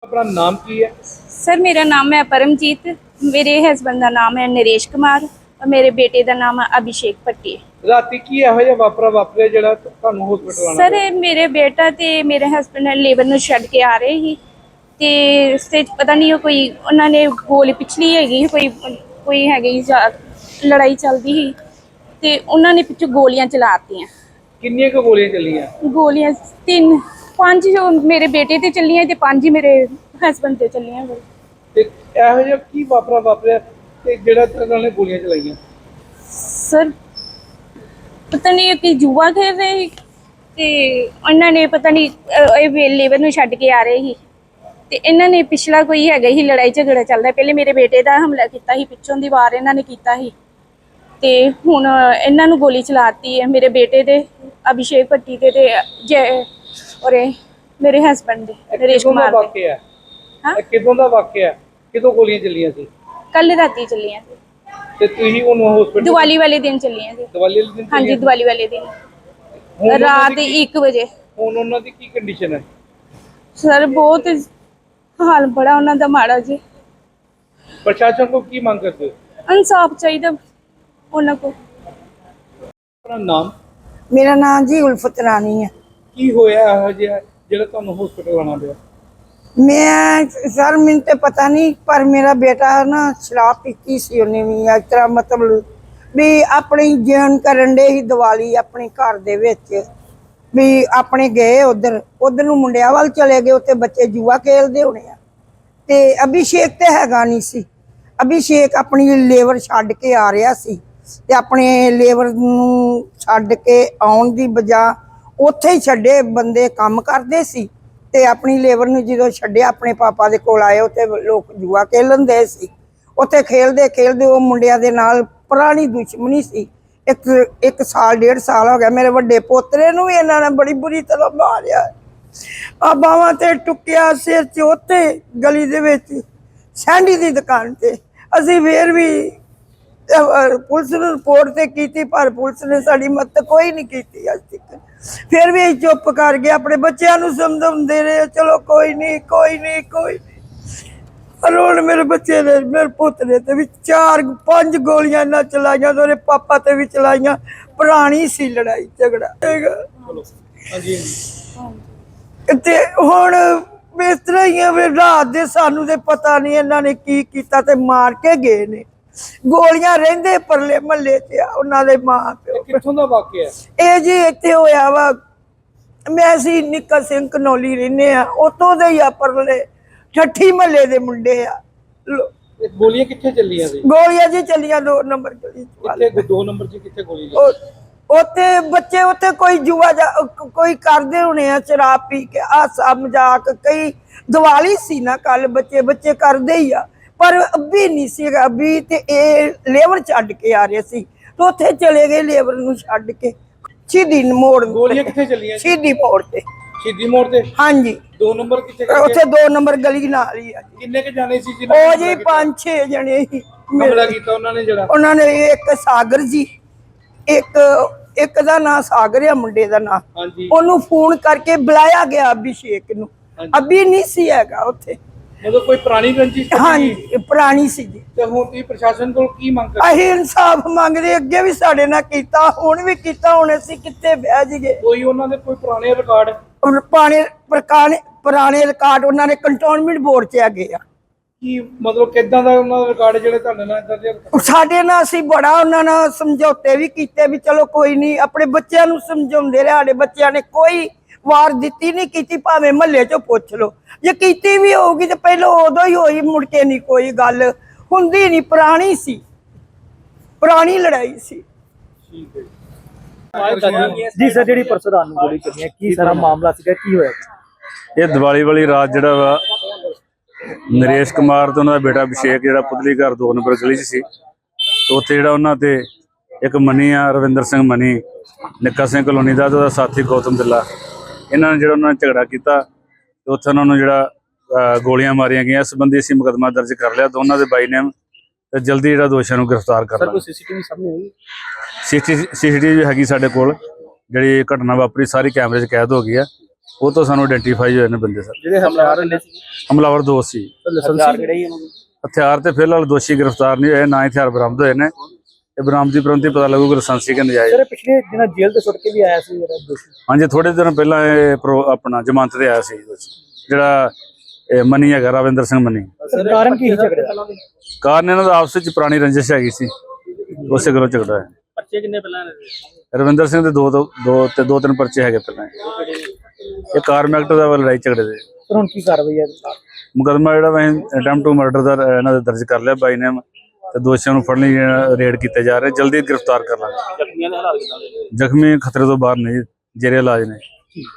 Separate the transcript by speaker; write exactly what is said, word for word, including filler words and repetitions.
Speaker 1: अपना नाम की है?
Speaker 2: सर मेरा नाम है परमजीत, मेरे हस्बैंड का नाम है नरेश कुमार और मेरे बेटे का नाम है अभिषेक भट्टी।
Speaker 1: राती की ਇਹੋ ਜਿਹਾ ਵਾਪਰਾ ਵਾਪਰਿਆ ਜਿਹੜਾ ਤੁਹਾਨੂੰ ਹਸਪੀਟਲ ਆਣਾ
Speaker 2: सर मेरे बेटा ते मेरे हस्बैंड लेबर ਨੂੰ ਛੱਡ ਕੇ ਆ ਰਹੇ ਸੀ ਤੇ ਰਸਤੇ 'ਚ ਪਤਾ ਨਹੀਂ ਕੋਈ ਉਹਨਾਂ ਨੇ ਗੋਲੀ ਪਿਛਲੀ ਹੈਗੀ ਕੋਈ ਕੋਈ ਹੈਗੀ ਲੜਾਈ ਚੱਲਦੀ ਸੀ ਤੇ ਉਹਨਾਂ ਨੇ ਪਿੱਛੋਂ ਗੋਲੀਆਂ ਚਲਾਤੀਆਂ।
Speaker 1: ਕਿੰਨੀਆਂ ਕੁ ਗੋਲੀਆਂ ਚੱਲੀਆਂ?
Speaker 2: ਗੋਲੀਆਂ ਤਿੰਨ ਪੰਜ ਜੋ ਮੇਰੇ ਬੇਟੇ ਤੇ ਚੱਲੀਆਂ ਤੇ ਪੰਜ ਹੀ ਮੇਰੇ ਹਸਬੈਂਡ ਤੇ ਚੱਲੀਆਂ।
Speaker 1: ਤੇ ਇਹੋ ਜਿਹਾ ਕੀ ਵਾਪਰਾ ਵਾਪਰਿਆ ਤੇ ਜਿਹੜਾ ਉਹਨਾਂ ਨੇ ਗੋਲੀਆਂ ਚਲਾਈਆਂ?
Speaker 2: ਸਰ ਪਤਾ ਨਹੀਂ ਕਿ ਜੂਆ ਖੇਡ ਰਹੇ ਸੀ ਤੇ ਉਹਨਾਂ ਨੇ ਪਤਾ ਨਹੀਂ ਇਹ ਲੇਬਰ ਨੂੰ ਛੱਡ ਕੇ ਆ ਰਹੇ ਸੀ ਤੇ ਇਹਨਾਂ ਨੇ ਪਿਛਲਾ ਕੋਈ ਹੈਗਾ ਹੀ ਲੜਾਈ ਝਗੜਾ ਚੱਲਦਾ। ਪਹਿਲੇ ਮੇਰੇ ਬੇਟੇ ਦਾ ਹਮਲਾ ਕੀਤਾ ਸੀ, ਪਿੱਛੋਂ ਦੀ ਵਾਰ ਇਹਨਾਂ ਨੇ ਕੀਤਾ ਸੀ ਤੇ ਹੁਣ ਇਹਨਾਂ ਨੂੰ ਗੋਲੀ ਚਲਾਤੀ ਹੈ ਮੇਰੇ ਬੇਟੇ ਦੇ ਅਭਿਸ਼ੇਕ ਭੱਟੀ ਦੇ ਤੇ ਜੈ ਔਰ ਮੇਰੇ ਹਸਬੈਂਡ ਦੇ ਨਰੇਸ਼ ਕੁਮਾਰ ਦੇ।
Speaker 1: ਹਾਂ ਕਿਦੋਂ ਦਾ ਵਾਕਿਆ? ਕਿਦੋਂ ਗੋਲੀਆਂ ਚੱਲੀਆਂ ਸੀ?
Speaker 2: ਕੱਲ ਰਾਤੀ ਚੱਲੀਆਂ ਸੀ
Speaker 1: ਤੇ ਤੁਸੀਂ ਉਹਨੂੰ ਹਸਪੀਟਲ
Speaker 2: ਦੀਵਾਲੀ ਵਾਲੇ ਦਿਨ ਚੱਲੀਆਂ ਸੀ।
Speaker 1: ਦੀਵਾਲੀ ਵਾਲੇ ਦਿਨ?
Speaker 2: ਹਾਂਜੀ ਦੀਵਾਲੀ ਵਾਲੇ ਦਿਨ ਰਾਤ ਇੱਕ ਵਜੇ।
Speaker 1: ਹੁਣ ਉਹਨਾਂ ਦੀ ਕੀ ਕੰਡੀਸ਼ਨ ਹੈ?
Speaker 2: ਸਰ ਬਹੁਤ ਹਾਲ ਬੜਾ ਉਹਨਾਂ ਦਾ ਮਾੜਾ ਜੀ।
Speaker 1: ਪ੍ਰਸ਼ਾਸਨ ਕੋਲ ਕੀ ਮੰਗ ਕਰਦੇ ਹੋ?
Speaker 2: ਇਨਸਾਫ ਚਾਹੀਦਾ ਉਹਨਾਂ ਕੋਲ।
Speaker 1: ਆਪਣਾ ਨਾਮ?
Speaker 3: ਮੇਰਾ ਨਾਮ ਜੀ ਉਲਫਤ ਰਾਣੀ ਹੈ।
Speaker 1: ਕੀ ਹੋਇਆ ਇਹੋ ਜਿਹਾ ਜਿਹੜਾ ਤੁਹਾਨੂੰ ਹਸਪੀਟਲ ਆਉਣਾ ਪਿਆ?
Speaker 3: ਮੈਂ ਸਰ ਮੈਨੂੰ ਤੇ ਪਤਾ ਨਹੀਂ ਪਰ ਮੇਰਾ ਬੇਟਾ ਨਾ ਸ਼ਰਾਬ ਪੀਤੀ ਸੀ ਉਹਨੇ ਵੀ ਇਸ ਤਰ੍ਹਾਂ ਮਤਲਬ ਵੀ ਆਪਣੀ ਜੀਵਨ ਕਰਨ ਦੇ ਹੀ ਦੀਵਾਲੀ ਆਪਣੇ ਘਰ ਦੇ ਵਿੱਚ ਵੀ ਆਪਣੇ ਗਏ ਉਧਰ ਉਧਰ ਨੂੰ ਮੁੰਡਿਆਂ ਵੱਲ ਚਲੇ ਗਏ। ਉੱਥੇ ਬੱਚੇ ਜੂਆ ਖੇਲਦੇ ਹੋਣੇ ਆ ਤੇ ਅਭਿਸ਼ੇਕ ਤੇ ਹੈਗਾ ਨਹੀਂ ਸੀ। ਅਭਿਸ਼ੇਕ ਆਪਣੀ ਲੇਬਰ ਛੱਡ ਕੇ ਆ ਰਿਹਾ ਸੀ ਤੇ ਆਪਣੇ ਲੇਬਰ ਨੂੰ ਛੱਡ ਕੇ ਆਉਣ ਦੀ ਬਜਾ ਉੱਥੇ ਹੀ ਛੱਡੇ ਬੰਦੇ ਕੰਮ ਕਰਦੇ ਸੀ ਤੇ ਆਪਣੀ ਲੇਬਰ ਨੂੰ ਜਦੋਂ ਛੱਡਿਆ ਆਪਣੇ ਪਾਪਾ ਦੇ ਕੋਲ ਆਏ ਉੱਥੇ ਲੋਕ ਜੂਆ ਖੇਲਣ ਦੇ ਸੀ। ਉੱਥੇ ਖੇਲਦੇ ਖੇਲਦੇ ਉਹ ਮੁੰਡਿਆਂ ਦੇ ਨਾਲ ਪੁਰਾਣੀ ਦੁਸ਼ਮਣੀ ਸੀ। ਇੱਕ ਇੱਕ ਸਾਲ ਡੇਢ ਸਾਲ ਹੋ ਗਿਆ। ਮੇਰੇ ਵੱਡੇ ਪੋਤਰੇ ਨੂੰ ਵੀ ਇਹਨਾਂ ਨੇ ਬੜੀ ਬੁਰੀ ਤਰ੍ਹਾਂ ਮਾਰਿਆ, ਆ ਬਾਹਾਂ ਤੇ ਟੁੱਕਿਆ, ਸਿਰ 'ਚ ਉੱਥੇ ਗਲੀ ਦੇ ਵਿੱਚ ਸੈਂਡੀ ਦੀ ਦੁਕਾਨ ਤੇ। ਅਸੀਂ ਫੇਰ ਵੀ ਪੁਲਿਸ ਨੂੰ ਰਿਪੋਰਟ ਤੇ ਕੀਤੀ ਪਰ ਪੁਲਿਸ ਨੇ ਸਾਡੀ ਮਦਦ ਕੋਈ ਨਹੀਂ ਕੀਤੀ ਅੱਜ ਤੱਕ। ਫਿਰ ਵੀ ਚੁੱਪ ਕਰ ਗਏ, ਆਪਣੇ ਬੱਚਿਆਂ ਨੂੰ ਸਮਝਾਉਂਦੇ ਰਹੇ ਚਲੋ ਕੋਈ ਨਹੀਂ ਕੋਈ ਨਹੀਂ ਕੋਈ ਨਹੀਂ। ਹੁਣ ਮੇਰੇ ਬੱਚੇ ਨੇ ਮੇਰੇ ਪੁੱਤ ਨੇ ਤੇ ਵੀ ਚਾਰ ਪੰਜ ਗੋਲੀਆਂ ਨਾ ਚਲਾਈਆਂ ਤੇ ਉਹਦੇ ਪਾਪਾ ਤੇ ਵੀ ਚਲਾਈਆਂ। ਪੁਰਾਣੀ ਸੀ ਲੜਾਈ ਝਗੜਾ ਤੇ ਹੁਣ ਇਸ ਤਰ੍ਹਾਂ ਹੀ ਆ ਵੀ ਰਾਤ ਦੇ ਸਾਨੂੰ ਤੇ ਪਤਾ ਨਹੀਂ ਇਹਨਾਂ ਨੇ ਕੀ ਕੀਤਾ ਤੇ ਮਾਰ ਕੇ ਗਏ ਨੇ। ਗੋਲੀਆਂ ਰਹਿੰਦੇ ਪਰਲੇ ਮਹੱਲੇ 'ਚ ਆ ਉਹਨਾਂ ਦੇ ਮਾਂ ਪਿਓ।
Speaker 1: ਕਿੱਥੋਂ ਦਾ ਵਾਕਿਆ? ਇਹ
Speaker 3: ਜੀ ਇੱਥੇ ਹੋਇਆ ਵਾ, ਮੈਂ ਅਸੀਂ ਨਿੱਕਾ ਸਿੰਘ ਕਨੌਲੀ ਰਹਿੰਦੇ ਆ ਉੱਥੋਂ ਦੇ ਹੀ ਆ ਪਰਲੇ ਠੱਠੀ ਮਹੱਲੇ ਦੇ ਮੁੰਡੇ ਆ।
Speaker 1: ਗੋਲੀਆਂ ਕਿੱਥੇ ਚੱਲੀਆਂ ਸੀ?
Speaker 3: ਗੋਲੀਆਂ ਜੀ ਚੱਲੀਆਂ ਦੋ ਨੰਬਰ ਗਲੀ
Speaker 1: ਕਿੱਥੇ? ਦੋ ਨੰਬਰ 'ਚ ਕਿੱਥੇ ਗੋਲੀ?
Speaker 3: ਉੱਥੇ ਬੱਚੇ ਉੱਥੇ ਕੋਈ ਜੂਆ ਕੋਈ ਕਰਦੇ ਹੋਣੇ ਆ ਸ਼ਰਾਬ ਪੀ ਕੇ ਹਾਸਾ ਮਜ਼ਾਕ। ਕਈ ਦੀਵਾਲੀ ਸੀ ਨਾ ਕੱਲ, ਬੱਚੇ ਬੱਚੇ ਕਰਦੇ ਹੀ ਆ ਪਰ ਅੱਬੀ ਨਹੀਂ ਸੀ। ਅੱਬੀ ਤੇ ਇਹ ਲੇਬਰ ਛੱਡ ਕੇ ਆ ਰਹੇ ਸੀ ਤੇ ਉੱਥੇ ਚਲੇ ਗਏ ਲੇਬਰ ਨੂੰ ਛੱਡ ਕੇ ਸ਼ਹੀਦੀ ਮੋੜ।
Speaker 1: ਗੋਲੀਆਂ ਕਿੱਥੇ ਚੱਲੀਆਂ?
Speaker 3: ਸ਼ਹੀਦੀ ਮੋੜ ਤੇ।
Speaker 1: ਸ਼ਹੀਦੀ ਮੋੜ ਤੇ?
Speaker 3: ਹਾਂਜੀ।
Speaker 1: ਦੋ ਨੰਬਰ ਕਿੱਥੇ?
Speaker 3: ਉੱਥੇ ਦੋ ਨੰਬਰ ਗਲੀ ਨਾਲ ਹੀ ਆ।
Speaker 1: ਕਿੰਨੇ ਕੁ ਜਾਣੇ ਸੀ?
Speaker 3: ਉਹ ਜੀ ਪੰਜ ਛੇ ਜਣੇ ਸੀ।
Speaker 1: ਹਮਲਾ ਕੀਤਾ ਉਹਨਾਂ ਨੇ ਜਿਹੜਾ?
Speaker 3: ਉਹਨਾਂ ਨੇ ਇੱਕ ਸਾਗਰ ਜੀ, ਇੱਕ ਇੱਕ ਦਾ ਨਾਂ ਸਾਗਰ ਆ ਮੁੰਡੇ ਦਾ ਨਾਂ। ਉਹਨੂੰ ਫੋਨ ਕਰਕੇ ਬੁਲਾਇਆ ਗਿਆ ਅਭਿਸ਼ੇਕ ਨੂੰ। ਅਭੀ ਨਹੀਂ ਸੀ ਹੈਗਾ ਉੱਥੇ।
Speaker 1: ਮਤਲਬ ਕੋਈ ਪੁਰਾਣੀ ਰੰਜਿਸ਼?
Speaker 3: ਹਾਂਜੀ ਪੁਰਾਣੀ ਸੀ ਜੀ।
Speaker 1: ਤੇ ਹੁਣ ਤੁਸੀਂ ਪ੍ਰਸ਼ਾਸਨ ਕੋਲ ਕੀ ਮੰਗ ਕਰਦੇ?
Speaker 3: ਅਸੀਂ ਇਨਸਾਫ ਮੰਗਦੇ, ਅੱਗੇ ਵੀ ਸਾਡੇ ਨਾਲ ਕੀਤਾ ਹੁਣ ਵੀ ਕੀਤਾ, ਹੁਣ ਅਸੀਂ ਕਿੱਥੇ ਬਹਿ ਜੀਏ।
Speaker 1: ਕੋਈ ਉਹਨਾਂ ਦੇ ਕੋਈ ਪੁਰਾਣੇ ਰਿਕਾਰਡ?
Speaker 3: ਪੁਰਾਣੇ ਪੁਰਾਣੇ ਰਿਕਾਰਡ ਉਹਨਾਂ ਨੇ ਕੰਟੋਨਮੈਂਟ ਬੋਰਡ 'ਚ ਹੈਗੇ ਆ।
Speaker 1: ਕੀ ਮਤਲਬ ਕਿੱਦਾਂ ਦਾ ਉਹਨਾਂ ਦਾ ਰਿਕਾਰਡ ਜਿਹੜੇ ਤੁਹਾਡੇ ਨਾਲ ਇਦਾਂ ਦੇ?
Speaker 3: ਸਾਡੇ ਨਾਲ ਅਸੀਂ ਬੜਾ ਉਹਨਾਂ ਨਾਲ ਸਮਝੌਤੇ ਵੀ ਕੀਤੇ ਵੀ ਚਲੋ ਕੋਈ ਨਹੀਂ, ਆਪਣੇ ਬੱਚਿਆਂ ਨੂੰ ਸਮਝਾਉਂਦੇ ਰਹੇ। ਸਾਡੇ ਬੱਚਿਆਂ ਨੇ ਕੋਈ ਵਾਰ ਦਿੱਤੀ ਨਹੀਂ ਕੀਤੀ, ਭਾਵੇਂ ਮਹੱਲੇ 'ਚੋਂ ਪੁੱਛ ਲਓ। ਜੇ ਕੀਤੀ ਵੀ ਹੋਊਗੀ ਤੇ ਪਹਿਲਾਂ ਉਦੋਂ ਹੀ ਹੋਈ, ਮੁੜ ਕੇ ਨਹੀਂ ਕੋਈ ਗੱਲ ਹੁੰਦੀ ਨਹੀਂ। ਪੁਰਾਣੀ ਸੀ, ਪੁਰਾਣੀ ਲੜਾਈ ਸੀ।
Speaker 1: ਠੀਕ ਹੈ
Speaker 4: ਜੀ ਸਰ, ਜਿਹੜੀ ਪਰਸੋਂ ਰਾਤ ਨੂੰ ਗੋਲੀ ਚੱਲੀ ਹੈ ਕੀ ਸਾਰਾ ਮਾਮਲਾ ਸੀਗਾ, ਕੀ ਹੋਇਆ?
Speaker 5: ਇਹ ਦੀਵਾਲੀ ਵਾਲੀ ਰਾਤ ਜਿਹੜਾ ਵਾ ਨਰੇਸ਼ ਕੁਮਾਰ ਤੇ ਉਹਨਾਂ ਦਾ ਬੇਟਾ ਅਭਿਸ਼ੇਕ ਜਿਹੜਾ ਪੁਤਲੀ ਘਰ ਦੋ ਨੰਬਰ ਗਲੀ 'ਚ ਸੀ ਤੇ ਉੱਥੇ ਜਿਹੜਾ ਉਹਨਾਂ ਤੇ ਇੱਕ ਮਨੀ ਆ ਰਵਿੰਦਰ ਸਿੰਘ ਮਨੀ ਨਿੱਕਾ ਸਿੰਘ ਕਲੋਨੀ ਦਾ ਤੇ ਉਹਦਾ ਸਾਥੀ ਗੌਤਮ ਦਿੱਲਾ, ਇਹਨਾਂ ਨੇ ਜਿਹੜਾ ਉਹਨਾਂ ਨੇ ਝਗੜਾ ਕੀਤਾ ਤੇ ਉੱਥੇ ਉਹਨਾਂ ਨੂੰ ਜਿਹੜਾ ਗੋਲੀਆਂ ਮਾਰੀਆਂ ਗਈਆਂ। ਇਸ ਸੰਬੰਧੀ ਅਸੀਂ ਮੁਕੱਦਮਾ ਦਰਜ ਕਰ ਲਿਆ ਦੋਨਾਂ ਦੇ ਬਾਈ ਨੇਮ ਤੇ ਜਲਦੀ ਜਿਹੜਾ ਦੋਸ਼ੀਆਂ ਨੂੰ ਗ੍ਰਿਫਤਾਰ ਕਰ ਲਾਂਗੇ।
Speaker 4: ਸੀਸੀਟੀਵੀ ਸਾਹਮਣੇ ਹੋਈ?
Speaker 5: ਸੀਸੀਟੀਵੀ ਹੈਗੀ ਸਾਡੇ ਕੋਲ, ਜਿਹੜੀ ਘਟਨਾ ਵਾਪਰੀ ਸਾਰੀ ਕੈਮਰੇ 'ਚ ਕੈਦ ਹੋ ਗਈ ਆ। ਉਹ ਤੋਂ ਸਾਨੂੰ ਆਇਡੈਂਟੀਫਾਈ ਹੋਏ ਨੇ ਬੰਦੇ ਸਰ।
Speaker 4: ਜਿਹੜੇ ਹਮਲਾਵਰ ਨੇ
Speaker 5: ਹਮਲਾਵਰ ਦੋ ਸੀ।
Speaker 4: ਲਾਇਸੈਂਸ ਕਿਹੜੇ ਹੀ ਉਹਨਾਂ ਨੂੰ
Speaker 5: ਹਥਿਆਰ ਤੇ ਫਿਲਹਾਲ ਦੋਸ਼ੀ ਗ੍ਰਿਫਤਾਰ ਨਹੀਂ ਹੋਏ, ਨਾ ਹੀ ਹਥਿਆਰ ਬਰਾਮਦ ਹੋਏ ਨੇ। ਤੇ ਬਰਾਮਦੀ ਪ੍ਰੰਤੀ ਪਤਾ ਲੱਗੂਗਾ ਲਾਇਸੈਂਸੀ ਕਿ ਨਜਾਇਜ਼।
Speaker 4: ਸਰ ਪਿਛਲੇ ਦਿਨਾਂ ਜੇਲ੍ਹ ਤੋਂ ਛੁੱਟ ਕੇ ਵੀ ਆਇਆ ਸੀ ਜਿਹੜਾ ਦੋਸ਼ੀ।
Speaker 5: ਹਾਂਜੀ, ਥੋੜੇ ਦਿਨ ਪਹਿਲਾਂ ਇਹ ਪ੍ਰੋ ਆਪਣਾ ਜ਼ਮਾਨਤ ਤੇ ਆਇਆ ਸੀ ਦੋਸ਼ੀ, ਜਿਹੜਾ ਇਹ ਮਨੀ ਹੈਗਾ ਰਵਿੰਦਰ ਸਿੰਘ ਮਨੀ।
Speaker 4: ਸਰ ਕਾਰਨ ਕੀ ਸੀ ਝਗੜੇ ਦਾ?
Speaker 5: ਕਾਰਨ ਇਹਨਾਂ ਦਾ ਆਪਸ ਵਿੱਚ ਪੁਰਾਣੀ ਰੰਜਿਸ਼ ਹੈਗੀ ਸੀ, ਉਸੇ ਗੱਲੋਂ ਝਗੜਾ ਹੈ।
Speaker 4: ਪਰਚੇ ਕਿੰਨੇ ਪਹਿਲਾਂ
Speaker 5: ਰਵਿੰਦਰ ਸਿੰਘ ਦੇ ਦੋ ਦੋ ਦੋ ਤੇ ਦੋ ਤਿੰਨ ਪਰਚੇ ਹੈਗੇ ਪਹਿਲਾਂ। ਇਹ ਕਾਰਮ ਐਕਟ ਦਾ ਵਾ ਲੜਾਈ ਝਗੜੇ ਦੇ।
Speaker 4: ਸਰ ਹੁਣ ਕੀ ਕਾਰਵਾਈ ਹੈ?
Speaker 5: ਮੁਕੱਦਮਾ ਜਿਹੜਾ ਵਾ ਅਟੈਂਪਟ ਟੂ ਮਰਡਰ ਦਾ ਇਹਨਾਂ ਦੇ ਦਰਜ ਕਰ ਲਿਆ ਬਾਈ ਨੇ, ਤੇ ਦੋਸ਼ੀਆਂ ਨੂੰ ਫੜਨ ਲਈ ਰੇਡ ਕੀਤੇ ਜਾ ਰਹੇ, ਜਲਦੀ ਗ੍ਰਿਫਤਾਰ ਕਰ ਲਾਂਗੇ। ਜ਼ਖਮੀ ਖਤਰੇ ਤੋਂ ਬਾਹਰ ਨਹੀਂ, ਜੇਰੇ ਇਲਾਜ ਨੇ।